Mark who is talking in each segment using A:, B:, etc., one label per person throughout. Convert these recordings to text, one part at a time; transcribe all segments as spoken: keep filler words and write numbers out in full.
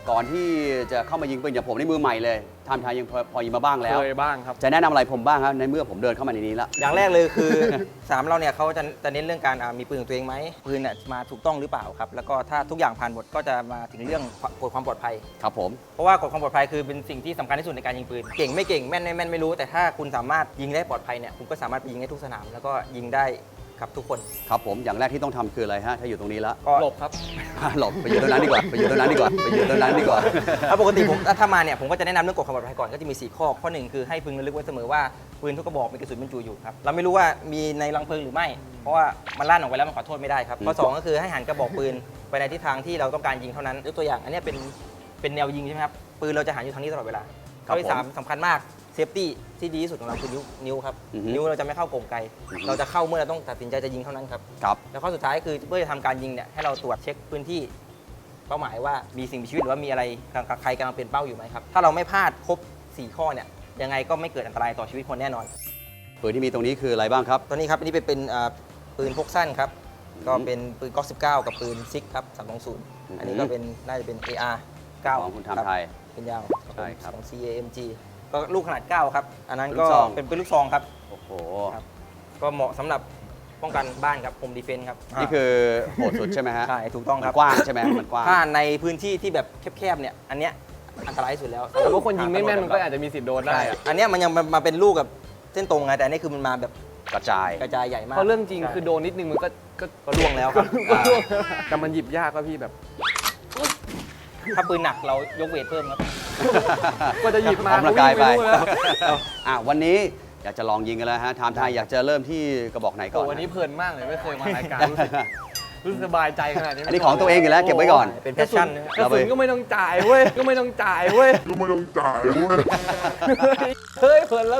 A: ก่อนที่จะเข้ามายิงปืนอย่างผมในมือใหม่เลยทำทายยังพอพอยิงมาบ้างแล้ว
B: เคยบ้างครับ
A: จะแนะนำอะไรผมบ้างครับในเมื่อผมเดินเข้ามาในนี้แล้ว
C: อย่างแรกเลยคือ สามเราเนี่ยเขาจะจะเน้นเรื่องการอ่ามีปืนของตัวเองไหมปืนเนี่ยมาถูกต้องหรือเปล่าครับแล้วก็ถ้าทุกอย่างผ่านหมดก็จะมาถึงเรื่องกฎความปลอดภัย
A: ครับผม
C: เพราะว่ากฎความปลอดภัยคือเป็นสิ่งที่สำคัญที่สุดในการยิงปืนเก่งไม่เก่งแม่นไม่แม่นไม่รู้แต่ถ้าคุณสามารถยิงได้ปลอดภัยเนี่ยคุณก็สามารถไปยิงได้ทุกสนามแล้วก็ยิงได้ครับทุกคน
A: ครับผมอย่างแรกที่ต้องทำคืออะไรฮะถ้าอยู่ตรงนี้แล้ว
C: ก็
B: หลบครับ
A: หลบไปอยู่ตรงนั้นดีกว่าไปอยู่ตรงนั้นดีกว่าไปอยู่ตรงนั้นดีกว่า
C: ถ้าปกติผมถ้ามาเนี่ยผมก็จะแนะนำเรื่องกฎความปลอดภัยก่อนก็จะมีสี่ข้อข้อหนึ่งคือให้พึงระลึกไว้เสมอว่าปืนทุกกระบอกมีกระสุนบรรจุอยู่ครับเราไม่รู้ว่ามีในรังเพลิงหรือไม่ เพราะว่ามันลั่นออกไปแล้วมันขอโทษไม่ได้ครับข้อสองก็คือให้หันกระบอกปืนไปในทิศทางที่เราต้องการยิงเท่านั้นยกตัวอย่างอันนี้เป็นเป็นแนวยิงใช่ไหมครับปืนเราจะหันอยู่ทางนี้ตลอดเวลา
A: ครับ
C: ข้อที่สามสำคัญมากเซฟตี้ที่ดีที่สุดของเราคือนิ้วนิ้วครับ
A: อือฮึ
C: นิ้วเราจะไม่เข้ากลไก
A: อือฮึ
C: เราจะเข้าเมื่อเราต้องตัดสินใจจะยิงเท่านั้นครับ
A: ครับ
C: แล้วข้อสุดท้ายคือเพื่อจะทำการยิงเนี่ยให้เราตรวจเช็คพื้นที่เป้าหมายว่ามีสิ่งมีชีวิตหรือว่ามีอะไรใครกำลังเป็นเป้าอยู่ไหมครับถ้าเราไม่พลาดครบสี่ข้อเนี่ยยังไงก็ไม่เกิดอันตรายต่อชีวิตคนแน่นอน
A: ปืนที่มีตรงนี้คืออะไรบ้างครับ
C: ตัวนี้ครับอันนี้เป็นเป็นอ่าปืนพกสั้นครับก็เป็นปืนก๊อกสิบเก้ากับปืนซิกครับสามสองศูนย์
A: อือฮึ
C: อันนี้ก็เป็นน่าจะเป็น เอ อาร์ เก้า
A: ของคุณทำไทย
C: เป็นยาว
A: ใช่ครับ
C: ของ ซี เอ เอ็ม จี ก็ลูกขนาดเก้าครับอันนั้น
A: ลู
C: ก็
A: กซอง
C: เป็นปืนลูกซองครับ
A: โอ้โห
C: ครับ ก็เหมาะสำหรับป้องกันบ้านครับโฮมดีเฟนส์ครับ
A: นี่คือโหดสุดใช่ไหมฮะ
C: ใช่ถูกต้อง
A: มั
C: ครับ
A: นกว้างใช่ไหมมันกว้าง
C: ถ้าในพื้นที่ที่แบบแคบๆเนี่ยอันเนี้ยอันตรายที่สุดแล้ว
B: แต่ว่าคนยิงไม่แม่นมันก็อาจจะมีสิทธิ์โดนได้
C: ใช่
B: อะ
C: อันเนี้ยมันยังมามาเป็นลูกกับเส้นตรงไงแต่อันนี้คือมันมาแบบ
A: กระจาย
C: กระจายใหญ่มาก
B: เพราะเรื่องจริงคือโดนนิดนึงมันก็ก็
C: ก็ล่วงแล้วครับ
B: ก็ล่วงแต่มันหยิบยากก็พี่แบบ
C: ถ้าปืนหนักเรายกเวทเพิ่มครับ
B: ก็จะหยิบมา
A: ออกกำลังกายไป
B: วิ่งนู่นแล้ว
A: อ่ะวันนี้อยากจะลองยิงกันแล้วฮะไทม์ไทยอยากจะเริ่มที่กระบอกไหนก่
B: โอ้
A: อน
B: วันนี้เพลินมากเลยไม่เคยมารายการรู้สึกรู้สึกสบายใจขนาดนี้
A: อันนี้ของตัวเองอยู่แล้วเก็บไว้ก่อน
C: เป็นแพชชั่นนะ
B: กระสุนก็ไม่ต้องจ่ายเว้ยก็ไม่ต้องจ่ายเว้ย
D: ก็ไม่ต้องจ่ายเว้ย
B: เฮ้ยเพลินแล้ว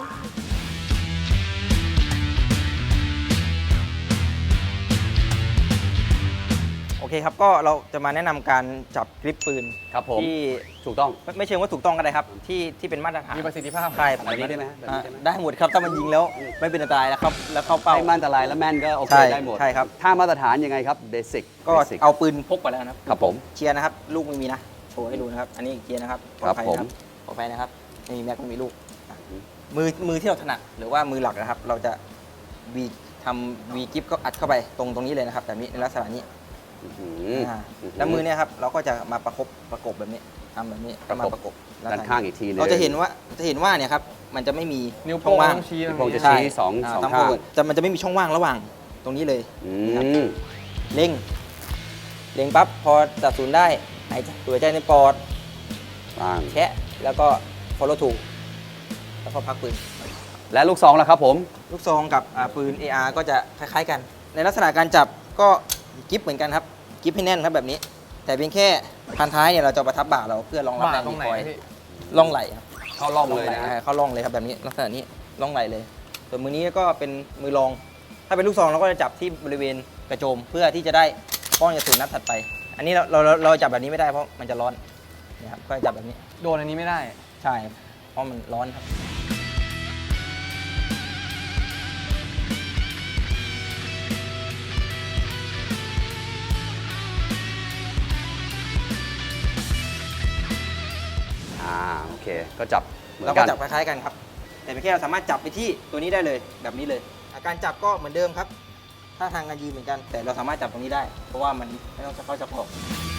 C: โอเคครับก็เราจะมาแนะนำการจับกริปปืน
A: ครับผม
C: ที่
A: ถูกต้อง
C: ไม่ไม่เชิงว่าถูกต้องก็ได้ครับที่ที่เป็นมาตรฐาน
B: มีประสิทธิภาพ
C: ใช่
A: แบบนี้ได้ไหมแบบนี้
C: อ่า
A: ได้ไหม
C: ได้หมดครับถ้ามันยิงแล้วไม่เป็นอันตรายแล้วครับแล้วเข้าเป้า
A: ไม่มั่นอันตรายแล้วแม่นก็โอเค
C: ใช่
A: ได้หมด
C: ใช่ครับ
A: ถ้ามาตรฐานยังไงครับเบสิก
C: ก็เอาปืนพกไปแล้วนะครับ
A: ครับผม
C: เชียร์นะครับลูกไม่มีนะโชว์ให้ดูนะครับอันนี้เชียร์นะครับปลอดภัยนะครับปลอดภัยนะครับไม่มีแม็กไม่มีลูกอ่ะมือมือที่เราถนัดหรือว่ามือหลักนะครับ เราจะวีทำวีกิฟก็อัดเข้าไปตรงตรงนี้เลยนะครับแบบนี้ในลักษณะนี้
A: อื้อหือ
C: อ่าแล้วมือเนี่ยครับเราก็จะมาประคบประกบแบบนี้ทำแบบนี้ก็มาประกบ
A: ด้านข้างอีกทีหนึง
C: เราจะเห็นว่าจะเห็นว่าเนี่ยครับมันจะไม่มี
B: นิ้ว
C: ช่
B: โป้
C: อง งว่าง
B: ต้องชี้
A: นิ้ว
B: ต
A: โป้
B: รง
A: งจะ
B: นี้
A: ชี้ สอง
C: า
A: สอง
C: ตาม
A: ข้าง
C: ปกติจะมันจะไม่มีช่องว่างระหว่างตรงนี้เลย
A: อืม
C: เล็งเล็งปั๊บพอตัดศูนย์ได้หายใจตัวใจในปอด
A: ว่าง
C: แคะแล้วก็ follow ถูกแล้วก็พักปืน
A: และลูกซองล่ะครับผม
C: ลูกซองกับอ่าปืน เอ อาร์ ก็จะคล้ายๆกัน ในลักษณะการจับก็กิฟเหมือนกันครับกิฟให้แน่นครับแบบนี้ แต่เพียงแค่พันท้ายเนี่ยเราจะประทับบ่าเราเพื่อรองรับ
B: บ่า
C: แรง
B: ตร
C: ดี
B: งไหน
C: คอย
B: พี่
C: ล่องไหลครับ
A: เข้าล่อง
C: ล่อง
A: เลย
C: ไหล
A: นะ
C: อ่าเข้าล่องเลยครับแบบนี้ลักษณะนี้ล่องไหลเลย ส่วนมือนี้ก็เป็นมือรอง ถ้าเป็นลูกซองเราก็จะจับที่บริเวณกระโจมเพื่อที่จะได้ป้องกระสุนนัดถัดไป อันนี้เราเราเราเราจับแบบนี้ไม่ได้เพราะมันจะร้อนนะครับก็จับแบบนี้
B: โดนอันนี้ไม่ได้
C: ใช่เพราะมันร้อนครับ
A: อ่าโอเค ก็จับเหมือ
C: เรา
A: น
C: ก็
A: กัน
C: จับคล้ายๆกันครับ แต่เพียงแค่เราสามารถจับไปที่ตัวนี้ได้เลยแบบนี้เลยอ่ะการจับก็เหมือนเดิมครับท่าทางการยืนเหมือนกัน แต่เราสามารถจับตรงนี้ได้ เพราะว่ามันไม่ต้องจะเข้าจะออก